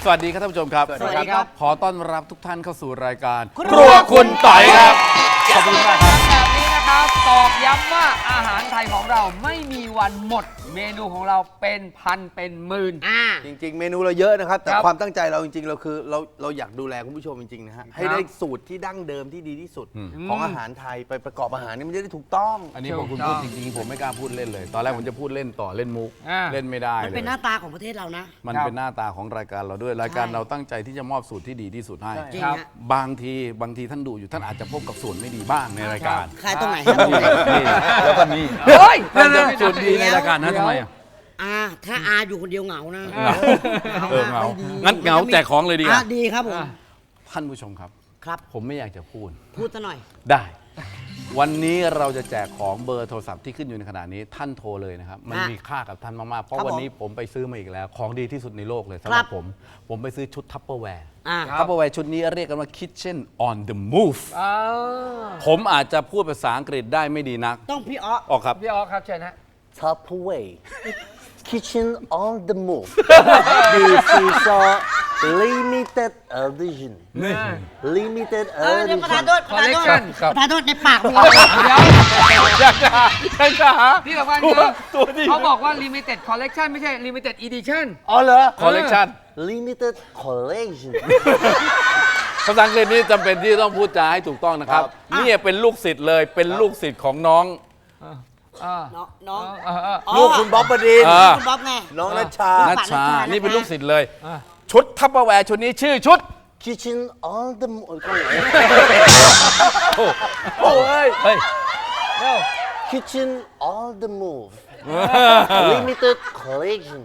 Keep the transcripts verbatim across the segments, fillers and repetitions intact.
สวัสดีครับท่านผู้ชมครับสวัสดีครับขอต้อนรับทุกท่านเข้าสู่รายการครัวคุณต่อยครับขอบคุณมากครับแบบนี้นะครับตอกย้ำว่าอาหารไทยของเราไม่มีวันหมด เมนูของเราเป็นพันเป็นหมื่นอ่าจริงๆ เมนูเราเยอะนะครับ แต่ครับความตั้งใจเราจริงๆ เราคือเราเราอยากดูแลคุณผู้ชมจริงๆ นะฮะให้ได้สูตรที่ดั้งเดิมที่ดีที่สุด ของอาหารไทยไปประกอบอาหารนี่มันจะได้ถูกต้องอันนี้พอคุณพูดจริงๆ ผมไม่กล้าพูดเล่นเลย ตอนแรกผมจะพูดเล่นต่อเล่นมุกอ่าเล่นไม่ได้มันเลเป็นยหน้าตาของประเทศเรานะมันครับเป็นหน้าตาของรายการเราด้วย รายการใช่เราตั้งใจที่จะมอบสูตรที่ดีที่สุดให้ใช่จริงครับฮะบางทีบางทีท่านดูอยู่ท่านอาจจะพบกับส่วนไม่ดีบ้างในรายการขายตรงไหนครับตรงไหนนี่แล้วก็นี่เฮ้ยท่านจะส่วนดีในรายการนะทำไมอ่ะอาถ้าอาอยู่คนเดียวเหงานะเออเหงาไม่ดีงั้นเหงาแจกของเลยดีกว่าอ่ะดีครับผมท่านผู้ชมครับครับผมไม่อยากจะพูดพูดซะหน่อยได้ วันนี้เราจะแจกของเบอร์โทรศัพท์ที่ขึ้นอยู่ในขณะนี้ท่านโทรเลยนะครับ มันอ่ะมีค่ากับท่านมาก ๆ เพราะครับวันผมนี้ผมไปซื้อมาอีกแล้ว ของดีที่สุดในโลกเลยสำหครัรับบ ผม ผมไปซื้อชุดทัพเปอร์แวร์อ่าครับทัพเปอร์แวร์ชุดนี้เรียกกันว่า Kitchen on the Move อ้าวผมอาจจะพูดภาษาอังกฤษได้ไม่ดีนักต้องพี่อ๊อออกครับพี่ออครับเชิญฮะ Tupperware Kitchen on the move This is a limited edition limited เออเดี๋ยวประธาน edition โทษประธานโทษ Collection ครับประธานโทษในปากมีเดี๋ยวอยากจะหาอยากจะหาที่สำคัญตัวคือตัวดีเขาบอกว่า limited collection ไม่ใช่ limited edition อ๋อเหรอ collection limited collection ภาษาอังกฤษนี่จำเป็นที่ต้องพูดจาให้ถูกต้องนะครับครับนี่เป็นลูกศิษย์เลยเป็นลูกศิษย์ของน้องอ่าน้องน้องอ่าอ่าอ๋อลูกคุณบ๊อบบดินทร์อ่าคุณบ๊อบไงน้องนัชชานัชชานัชชานี่นี่เป็นลูกศิษย์เลยอ่าชุดทัพเปอร์แวร์ชุดนี้ชื่อชุด Kitchen on the move โอ้โอ้เฮ้ย เฮ้ยเร็ว Kitchen on the move limited collection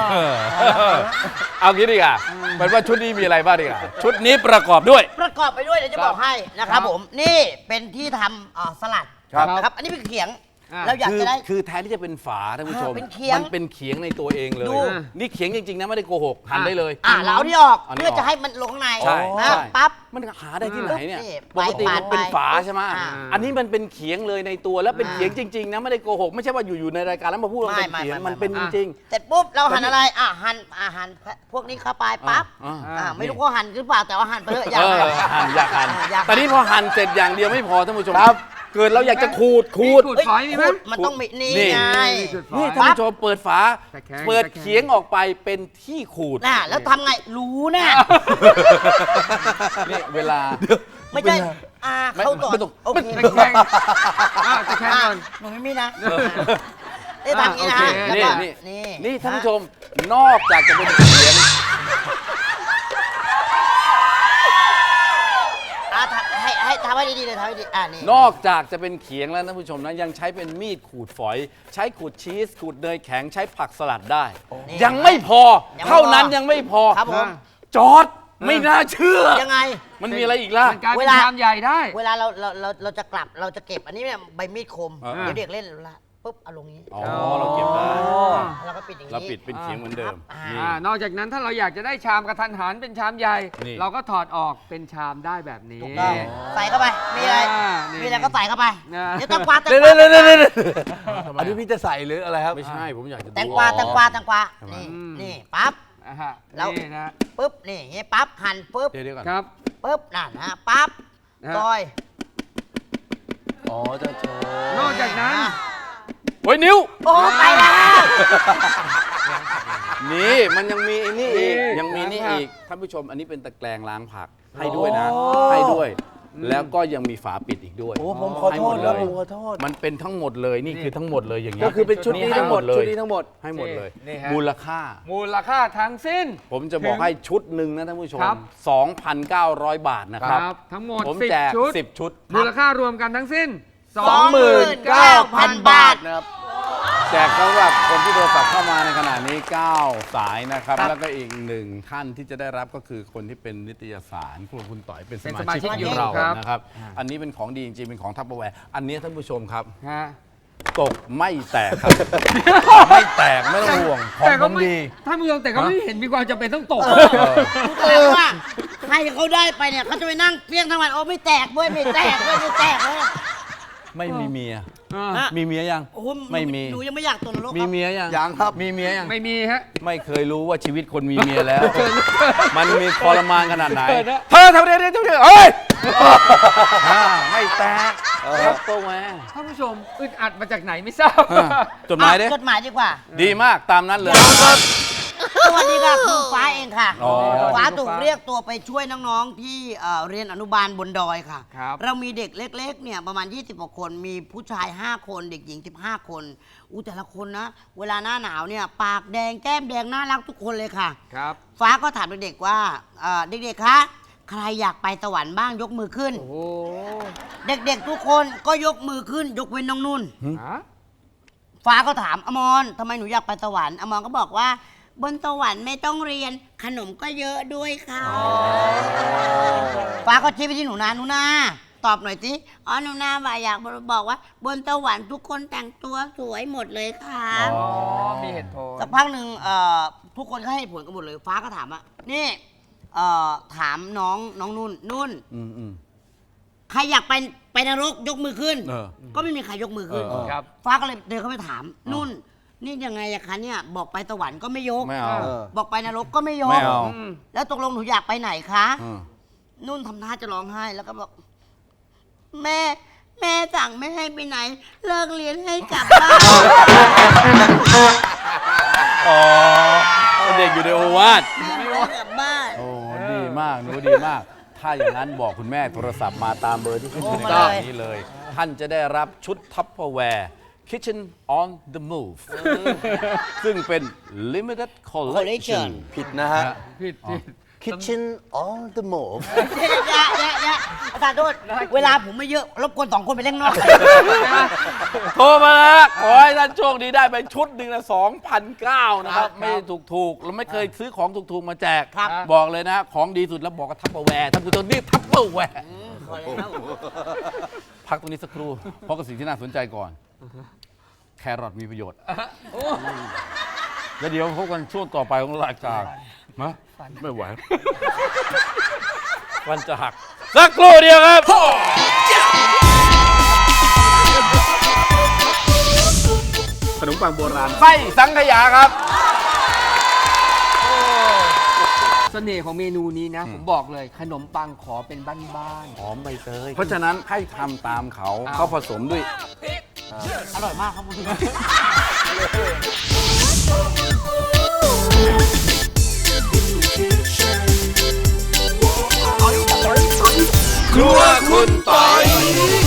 เอางี้ดีกว่าเป็นว่าชุดนี้มีอะไรบ้างดีกว่าชุดนี้ประกอบด้วยประกอบไปด้วยเดี๋ยวจะบอกให้นะครับผม นี่เป็นที่ทำอ่าสลัดครับนะครับ อันนี้เป็นเขียงอ่าเราอยากคือจะได้คือแทนที่จะเป็นฝาท่านผู้ชมอ่าเป็นเขียงมันเป็นเขียงในตัวเองเลยดูนี่เขียงจริงๆนะไม่ได้โกหกหั่นได้เลยอ่าเราเอาที่ออกเอานี่เพื่อออกจะให้มันลงข้างในใช่นะใช่ปั๊บมันหาได้ที่ไหนเนี่ยนี่ปกติไปมันเป็นไปฝาใช่ไหมอ่าอันนี้มันเป็นเขียงเลยในตัวแล้วเป็นเขียงจริงๆนะไม่ได้โกหกไม่ใช่ว่าอยู่ๆในรายการแล้วมาพูดว่าเป็นไม่เขียงไม่ไม่มันเป็นจริงเสร็จปุ๊บเราหั่นอะไร อ่ะหั่นอ่ะหั่นพวกนี้เข้าไปปั๊บอ่าอ่าไม่รู้ว่าหั่นหรือเปล่าแต่ว่าหั่นไปเถอะอย่าเออหั่นหั่นอยากหั่นอยากหั่นแต่นี่พอหั่นเสร็จอย่างเดียวไม่พอท่านผู้ชมครับเกิดเราอยากจะขูดขูดขูดเฮ้ยฝอยมีไหมขูดมันต้องมีนี่นี่ไงนี่ท่านผู้ชมเปิดฝาตะแคงเปิดตะแคงเขียงออกไปเป็นที่ขูดน่ะแล้วทำไงรู้นะนี่เวลาไม่ใช่อ่าเขาต่อไม่ต้องโอเคตะแคงอ่าตะแคงอ่ะก่อนหนูไม่มีนะได้ทำอย่างนี้นะอ่ะโอเคแล้วนี่ก็นี่นี่นี่ท่านผู้ชมนอกจากจะเป็นเขียงอ่ะทำให้ให้ทำให้ดีๆเลยทำให้ดีอ่านี่นอกจากจะเป็นเขียงแล้วท่านผู้ชมนะยังใช้เป็นมีดขูดฝอย ใช้ขูดชีสขูดเนยแข็งใช้ผักสลัดได้นี่ยังไม่พอยังไม่พอเท่านั้นยังไม่พอครับผมจอร์ดไม่น่าเชื่อยังไงมันมีอะไรอีกล่ะมันกลายเวเป็นลาชามใหญ่ได้เวลาเราเราเราเราจะกลับเราจะเก็บอันนี้เนี่ยใบมีดคมอ่าเดี๋ยวเด็กเล่นละปุ๊บเอาลงนี้อ๋อเราเก็บได้แล้วก็ปิดอย่างนี้เราปิดเป็นเขียงเหมือนเดิมอ่านี่อ่านอกจากนั้นถ้าเราอยากจะได้ชามกระทันหันเป็นชามใหญ่นี่เราก็ถอดออกเป็นชามได้แบบนี้ถูกต้องใส่เข้าไป มีอะไรอ่านี่มีอะไรก็ใส่เข้าไปอ่าเดี๋ยวแตงกวาแตงเดี๋ยวกวาเดี๋ยวเดี๋ยวเดี๋ยวอันนี้พี่จะใส่หรืออะไรครับไม่ใช่ผมอยากจะดูแตงกวาแตงกวาแตงกวาทำไมนี่นี่ปั๊บอ่าฮะแล้วนี่นะปุ๊บนี่อย่างงี้ปั๊บหั่นปุ๊บเดี๋ยวเดี๋ยวก่อนครับปุ๊บนั่นนะปั๊บนะฮะซอยอ๋อจะโชว์นอกจากนั้นอ่ะโอ้ยนิ้วโอ้ไปแล้วนี่มันยังมีไอ้นี่อีกนี่ยังมีนี่ล้างผักอีกท่านผู้ชมอันนี้เป็นตะแกรงล้างผักให้ด้วยนะ ให้ด้วย แล้วก็ยังมีฝาปิดอีกด้วยโอ้ผมขอให้โทหมษดแล้วเลยผมขอโทษมันเป็นทั้งหมดเลยนี่คือทั้งหมดเลยอย่างนี้ยก็คือเป็นชุดนี้ทั้งหมดเลชุดยนี้ทั้งหมดให้หมดเลยนี่ฮะมูลค่ามูลค่าทั้งสิ้นผมจะบอกให้ชุดหนึ่งนะท่านผู้ชมครับสองพันเก้าร้อย บาทนะครับทั้งหมดผมสิบแจกชุดสิบชุดมูลค่ารวมกันทั้งสิ้นสองหมื่นเก้าพันบาทนะครับแจกสำหรับคนที่โทรศัพท์เข้ามาในขณะนี้ เก้า สายนะครับ แล้วก็อีกหนึ่งท่านที่จะได้รับก็คือคนที่เป็นนิตยสารครัวคุณต่อยเป็นสเป็นมาสมาชิกชิกของอยู่เราครับนะครับ อันนี้เป็นของดีจริงๆเป็นของทัพเปอร์แวร์อันนี้ท่านผู้ชมครับฮะตกไม่แตกครับ ไม่แตกไม่ต้องห่วงของแต่ผก็มไม่ดีท่านผู้ชมแต่ก็ไม่เห็นมีความจำเป็นต้องตกแต่ว่าใครเขาได้ไปเนี่ยเขาจะไปนั่งเพี้ยงทั้งวันโอ้ไม่แตกเว้ยไม่แตกเว้ยไม่แตกเว้ยไม่มีเมียฮะมีเมียยังโอ้โหไม่มีหนูยังไม่อยากตกนรกมีครับเมียยังยังครับมีเมียยังไม่มีฮะไม่เคยรู้ว่าชีวิตคนมีเมียแล้ว มันมีทรมานขนาดไหนเกิดนะเธอทำอะไรเนี่ยทำอะไรเอ้ยอ่าไม่แตกครับตัวแม่ท่านผู้ชมอึดอัดมาจากไหนไม่ทราบอ่าจดหมายดิอ่ะจดหมายดีกว่าดีมากตามนั้นเลยสวัสดีค่ะคือฟ้าเองค่ะอ๋อฟ้าถูกเรียกตัวไปช่วยน้องๆที่เอ่อเรียนอนุบาลบนดอยค่ะครับเรามีเด็กเล็กๆเนี่ยประมาณ ยี่สิบกว่าคน มีผู้ชาย ห้า คน เด็กหญิง สิบห้า คนอู้แต่ละคนนะ เวลาหน้าหนาวเนี่ยปากแดงแก้มแดงน่ารักทุกคนเลยค่ะครับฟ้าก็ถามเด็กๆว่าเอ่อเด็กๆ คะ ใครอยากไปสวรรค์บ้างยกมือขึ้นโอ้โหเด็กๆ ทุกคนก็ยกมือขึ้น ยกเว้นน้องนุ่นฮะฟ้าก็ถามอมรทำไมหนูอยากไปสวรรค์อมรก็บอกว่า บนสวรรค์ไม่ต้องเรียนขนมก็เยอะด้วยค่ะฟ้าก็ชี้ไปที่หนูนาหนูนาตอบหน่อยสิอ๋อหนูนาว่าอยากบอกว่า บนสวรรค์ทุกคนแต่งตัวสวยหมดเลยค่ะอ๋อ มีเหตุผลสักพักหนึ่งเอ่อทุกคนก็ให้ผลกันหมดเลย ฟ้าก็ถามว่านี่เอ่อถามน้องน้องนุ่นนุ่นอืมอืมใครอยากไปไปนรกยกมือขึ้นเออก็ไม่มีใครยกมือขึ้นเออครับฟ้าก็เลยเดินเข้าไปถาม นุ่น นี่ยังไงอะคะเนี่ยบอกไปสวรรค์ก็ไม่ยกไม่เอาเออบอกไปนรกก็ไม่ยไม่กเอาอืมแล้วตกลงหนูอยากไปไหนคะอืมนุ่นทำท่าจะร้องไห้แล้วก็บอก แม่แม่สั่งไม่ให้ไปไหน เลิกเรียนให้กลับบ้านอ๋อเด็กอยู่ในโอวาทแม่ไม่ให้กลับบ้านโอ้ดีมากหนูดีมาก ถ้าอย่างนั้นบอกคุณแม่โทรศัพท์มาตามเบอร์ที่ขึ้นอยู่ในโทรมาจอเลยนี้เลย ท่านจะได้รับชุดทัพเปอร์แวร์ Kitchen on the Move ซึ่งเป็น limited collection ผิดนะฮะผิดผิด Kitchen on the move แยะแยะแยะอาจารย์โทษเวลาผมไม่เยอะ รบกวนสองคนไปเล่นนอกโทรมาแล้วขอให้ท่านโชคดีได้ไปชุดหนึ่งละสองพันเก้านะครับ ไม่ถูกถูกๆเราไม่เคยซื้อของถูกๆมาแจกครับบอกเลยนะ ของดีสุดแล้วบอกกับทัพเปอร์แวร์ท่านผู้ชมนี่ทัพเปอร์แวร์ขอแล้วพักตรงนี้สักครู่ เพราะกับสิ่งที่น่าสนใจก่อน แครอทมีประโยชน์ แล้วเดี๋ยวพบกันช่วงต่อไปของรายการมะไม่ไหว วันจะหัก สักครู่เดียวครับ ขนมปังโบราณไส้สังขยาครับเสน่ห์ของเมนูนี้นะ ผมบอกเลยขนมปังขอเป็นบ้านหอมใบเตย เพราะฉะนั้นให้ทำตามเขาเอาเขาผสมด้วยอร่อยมากครับคุณผู้ชมครัวคุณปอย